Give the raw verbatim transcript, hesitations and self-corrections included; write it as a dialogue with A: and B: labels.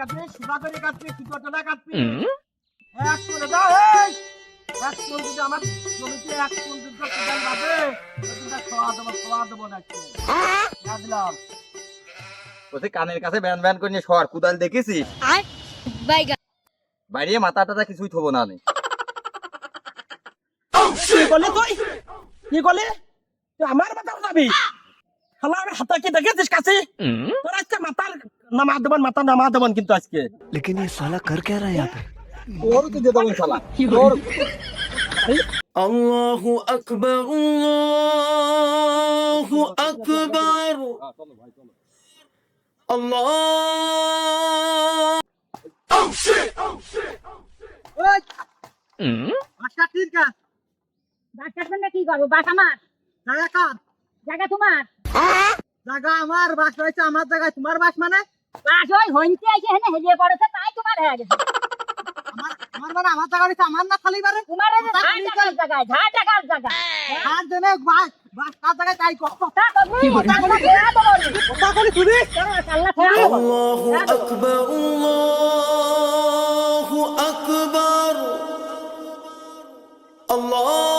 A: কাটবি সুদা করে কাটবি সুদটা কাটবি এক করে দাও এই এক কোন যদি আমার জমিতে এক কোন যদি কোদাল বাজে ওটা খাওয়া দেবো খাওয়া দেবো না একটু দিলাম
B: ওতে কানের কাছে ব্যান ব্যান করে নিয়ে শহর কুদাল দেখেছিস বাইরে মাথা টাথা কিছুই থবো না আমি
A: কি করলি তুই কি করলি তুই আমার মাথা উঠাবি শালা আমি হাতে কি দেখেছিস কাছে তোর আজকে মাথার নামা দেবন মাথা নামা দেবন কিন্তু আজকে
C: लेकिन ये साला कर क्या रहा है यहाँ पे
B: তোর তো দিয়ে দেবো শালা তোর
C: अल्लाह अकबर अल्लाह अकबर अल्लाह
A: ওই বাসা ঠিক আছে
D: বাসার সঙ্গে কি করবো? বাস আমার,
A: জায়গা কার
D: জায়গা তোমার।
A: জায়গা আমার বাস রয়েছে আমার জায়গায় তোমার বাস মানে
D: বাস ওই হইতে এসে হেনে হেলিয়ে পড়েছে তাই তোমার হয়ে গেছে।
A: আমার আমার মানে আমার জায়গা রয়েছে আমার না খালি বারে
D: তোমার এই যে ঝাঁ টাকার জায়গায়, ঝাঁ টাকার জায়গায়।
A: আর জনে বাস বাস কার জায়গায় তাই কর
D: কথা কবি, কথা কোনো ফেরা তো বলবি।
A: কথা বলি তুমি
D: আল্লাহ ফেরা তো বলবি।
C: अल्लाह अकबर अल्लाह अकबर अल्लाह